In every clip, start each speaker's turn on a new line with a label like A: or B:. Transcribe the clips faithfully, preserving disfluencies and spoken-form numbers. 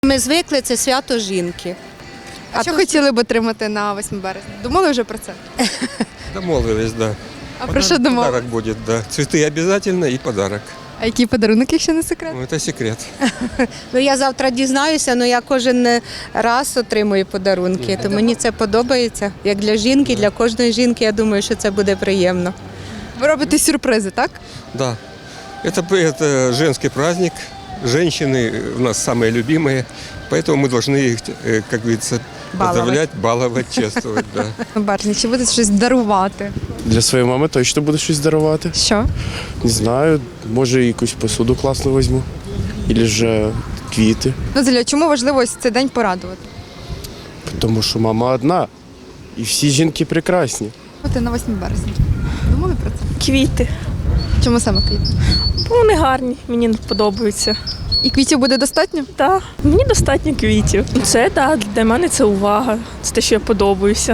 A: Ми звикли, це свято жінки.
B: А, а що
A: то,
B: хотіли б отримати на восьме березня? Думали вже про це?
C: Домовились, да.
B: А про що думали?
C: Подарок будет, да. Цветы обязательно и подарок.
B: А який подарунок, якщо не секрет?
C: Ну, это секрет.
A: Ну, я завтра дізнаюся, але я кожен раз отримую подарунки, то мені це подобається. Як для жінки, для кожної жінки, я думаю, що це буде приємно.
B: Ви робите сюрпризи, так?
C: Да. Это, это женский праздник. Женщины у нас самые любимые, поэтому мы должны их, э, как говорится,
A: Баловать.
C: поздравлять, баловать, чествовать. Да.
B: На березні, чи будете щось дарувати?
D: Для своєї мами точно буду щось дарувати.
B: Що?
D: Не знаю, може якусь посуду класну візьму. Або ж квіти.
B: Назаля, чому важливо ось цей день порадувати?
D: Тому що мама одна. І всі жінки прекрасні.
B: От на восьме березня. Думали про це?
E: Квіти.
B: Чому саме квіти?
E: Бо вони гарні, мені подобаються.
B: І квітів буде достатньо?
E: Так, мені достатньо квітів. Це так, для мене це увага. Це те, що я подобаюся.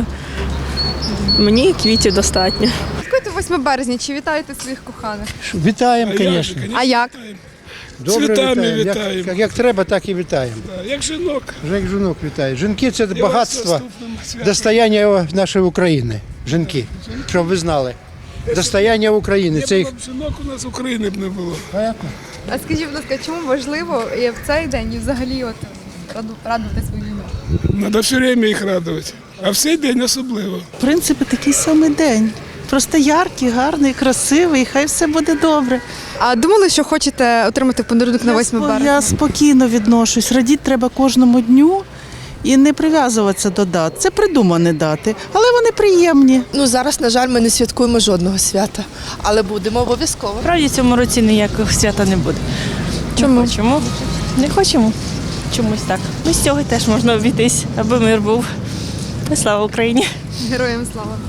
E: Мені квітів достатньо.
B: Святкуєте восьме березня, чи вітаєте своїх коханих?
F: Вітаємо, звісно.
B: А як?
F: Добре
G: Цвітами
F: вітаємо.
G: вітаємо.
F: Як, як, як треба, так і вітаємо.
G: Як жінок.
F: Вже як жінок вітають. Жінки це
G: І вас
F: багатство,
G: наступним святом.
F: достояння нашої України. Жінки, щоб ви знали. Достояння України. Це
G: Не
F: їх...
G: було б жінок, у нас України б не було.
B: А скажіть, будь ласка, чому важливо і в цей день і взагалі от раду- радувати свою жінок?
G: Треба все время їх радувати. А в цей день особливо.
H: В принципі, такий самий день. Просто яркий, гарний, красивий, хай все буде добре.
B: А думали, що хочете отримати подарунок на
H: Я
B: восьме
H: спо-
B: березня?
H: Я спокійно відношусь. Радіти треба кожному дню і не прив'язуватися до дат. Це придумані дати, але вони приємні.
I: Ну, зараз, на жаль, ми не святкуємо жодного свята, але будемо обов'язково.
E: Справді в цьому році ніякого свята не буде.
B: Чому?
E: Чому? Не хочемо. Чомусь так. Ну, з цього теж можна обійтись, аби мир був. Слава Україні!
B: Героям слава!